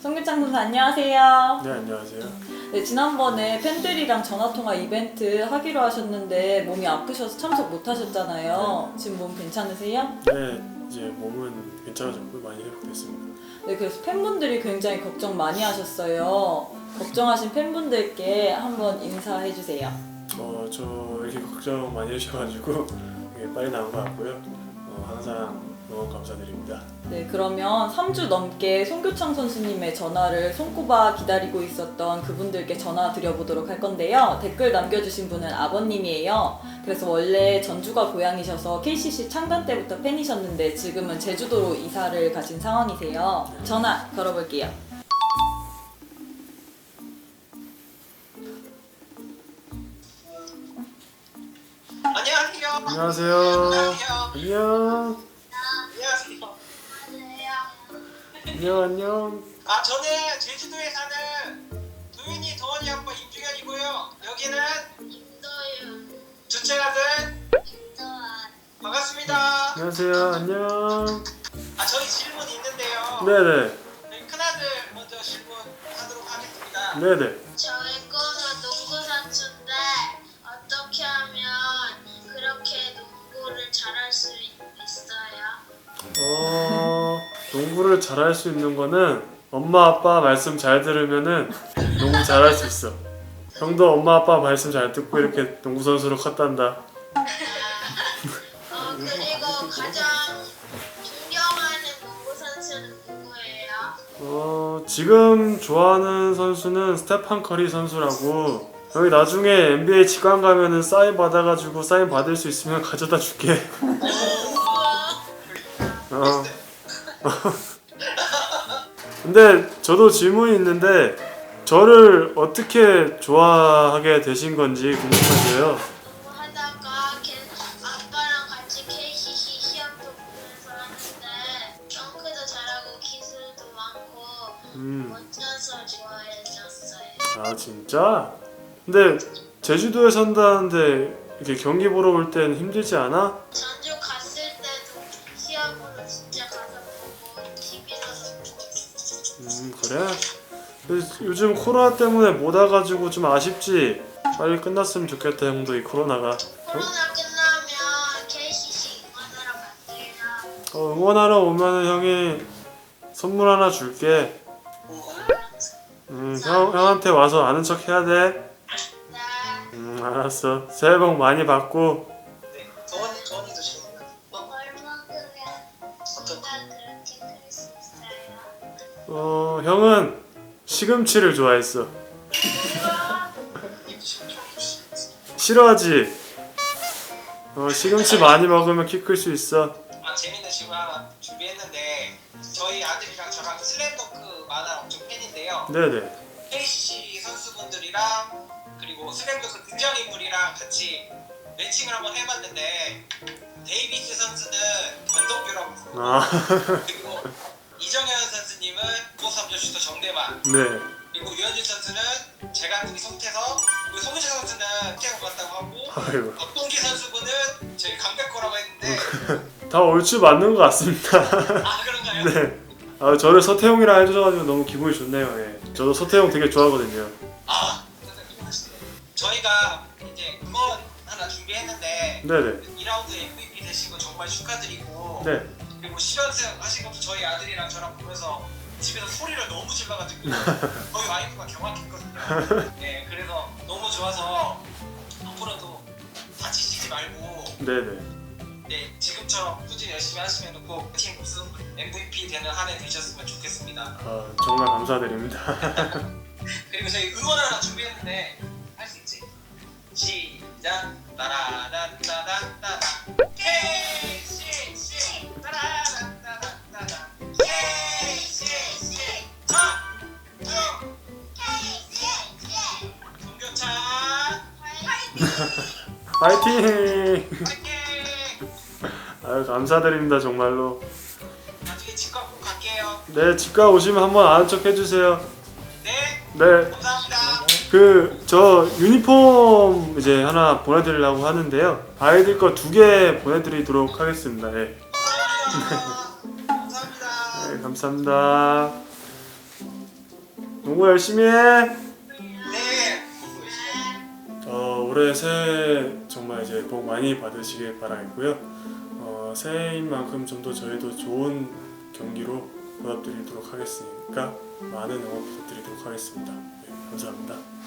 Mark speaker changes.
Speaker 1: 송규창 선수 안녕하세요.
Speaker 2: 네, 안녕하세요.
Speaker 1: 네, 지난번에 팬들이랑 전화통화 이벤트 하기로 하셨는데 몸이 아프셔서 참석 못 하셨잖아요. 지금 몸 괜찮으세요?
Speaker 2: 네, 이제 몸은 괜찮아졌고 많이 회복됐습니다.
Speaker 1: 네, 그래서 팬분들이 굉장히 걱정 많이 하셨어요. 걱정하신 팬분들께 한번 인사해 주세요.
Speaker 2: 저 이렇게 걱정 많이 해주셔가지고 이게 빨리 나온 것 같고요. 항상 너무 감사드립니다.
Speaker 1: 네, 그러면 3주 넘게 송교창 선수님의 전화를 손꼽아 기다리고 있었던 그분들께 전화 드려보도록 할 건데요. 댓글 남겨주신 분은 아버님이에요. 그래서 원래 전주가 고향이셔서 KCC 창단 때부터 팬이셨는데 지금은 제주도로 이사를 가신 상황이세요. 전화 걸어볼게요.
Speaker 3: 안녕하세요.
Speaker 2: 안녕하세요. 안녕.
Speaker 3: 안녕하세요.
Speaker 2: 안녕.
Speaker 3: 저는 제주도에 사는 도윤이 도원이 아빠 임중현이고요. 여기는
Speaker 4: 김도윤,
Speaker 3: 둘째 아들
Speaker 4: 김도환,
Speaker 3: 반갑습니다.
Speaker 2: 안녕하세요. 안녕.
Speaker 3: 저희 질문 있는데요.
Speaker 2: 네네.
Speaker 3: 저희 큰아들 먼저 질문하도록 하겠습니다.
Speaker 2: 네네.
Speaker 4: 저의 꿈은 농구 선수인데 어떻게 하면 그렇게 농구를 잘할 수 있어요?
Speaker 2: 농구를 잘할 수 있는 거는 엄마 아빠 말씀 잘 들으면은 농구 잘할 수 있어. 형도 엄마 아빠 말씀 잘 듣고 이렇게 농구 선수로 컸단다.
Speaker 4: 그리고 가장 존경하는 농구 선수는 누구예요?
Speaker 2: 지금 좋아하는 선수는 스테판 커리 선수라고. 여기 나중에 NBA 직관 가면은 사인 받아가지고 사인 받을 수 있으면 가져다 줄게. 근데 저도 질문이 있는데 저를 어떻게 좋아하게 되신 건지 궁금해서요.
Speaker 4: 하다가 아빠랑 같이 KCC 시합도 보면서 하는데 덩크도 잘하고 기술도 많고 멋져서 좋아해졌어요.
Speaker 2: 아 진짜? 근데 제주도에 산다는데 이렇게 경기 보러 올 땐 힘들지 않아?
Speaker 4: 전주 갔을 때도 시합으로 진짜 가서 보고 TV로도 보고
Speaker 2: 그래? 요즘 코로나 때문에 못 와가지고 좀 아쉽지? 빨리 끝났으면 좋겠다 형도 이 코로나가.
Speaker 4: 코로나 끝나면 KCC 응원하러 갈게요.
Speaker 2: 응원하러 오면은 형이 선물 하나 줄게. 형한테 와서 아는 척 해야 돼.
Speaker 4: 네.
Speaker 2: 알았어. 새해 복 많이 받고.
Speaker 3: 네, 도원이도 질문.
Speaker 4: 얼마큼이야
Speaker 3: 어떤?
Speaker 4: 그렇게 클 수 있어요?
Speaker 2: 형은 시금치를 좋아했어. 싫어하지? 시금치 많이 먹으면 키 클 수 있어.
Speaker 3: 재밌는 질문 하나 준비했는데 저희 아들이랑 저랑 슬램덩크 만화 엄청 팬인데요.
Speaker 2: 네네.
Speaker 3: KCC 선수분들이랑 그리고 슬램덩크 등장인물이랑 같이 매칭을 한번 해봤는데 데이비스 선수는 권동규라고 부르고 그리고 이정현 선수님은 953점 슈터 정대만
Speaker 2: 네.
Speaker 3: 그리고 유현준 선수는 재간둥이 송태석 그리고 송유철 선수는 태국 같다고 하고
Speaker 2: 아이고.
Speaker 3: 박동기 선수분은 저희 강백호라고 했는데
Speaker 2: 다 얼추 맞는 것 같습니다.
Speaker 3: 그런가요?
Speaker 2: 네. 저를 서태웅이라 해주셔가지고 너무 기분이 좋네요. 예. 저도 서태웅 되게 좋아하거든요.
Speaker 3: 저희가 이제 응원 하나 준비했는데
Speaker 2: 네네.
Speaker 3: 2라운드 MVP 되신 거 정말 축하드리고
Speaker 2: 네.
Speaker 3: 그리고 10연승 하신 것도 저희 아들이랑 저랑 보면서 집에서 소리를 너무 질러가지고 저희 와이프가 경악했거든요. 네, 그래서 너무 좋아서 앞으로도 다치시지 말고
Speaker 2: 네네.
Speaker 3: 네, 지금처럼 꾸준히 열심히 하시면 꼭 팀 우승 MVP 되는 한 해 되셨으면 좋겠습니다.
Speaker 2: 정말 감사드립니다.
Speaker 3: 그리고 저희 응원 하나 준비했는데 할 수 있지? 시작! 따라란따단따단 KCC 따라란따단따단 KCC 송교창
Speaker 2: 파이팅!
Speaker 3: 파이팅!
Speaker 2: 감사드립니다 정말로.
Speaker 3: 나중에 집가 꼭 갈게요.
Speaker 2: 네, 집가 오시면 한번 아는 척 해주세요.
Speaker 3: 네,
Speaker 2: 네.
Speaker 3: 감사합니다.
Speaker 2: 저 유니폼 이제 하나 보내드리려고 하는데요. 아이들 거 2개 보내드리도록 하겠습니다. 네.
Speaker 3: 감사합니다. 감사합니다.
Speaker 2: 네, 감사합니다. 농구 열심히 해.
Speaker 3: 네.
Speaker 2: 올해 새해 정말 이제 복 많이 받으시길 바라겠고요. 새해인 만큼 좀 더 저희도 좋은 경기로 보답드리도록 하겠으니까 많은 응원 부탁드리도록 하겠습니다. 네, 감사합니다.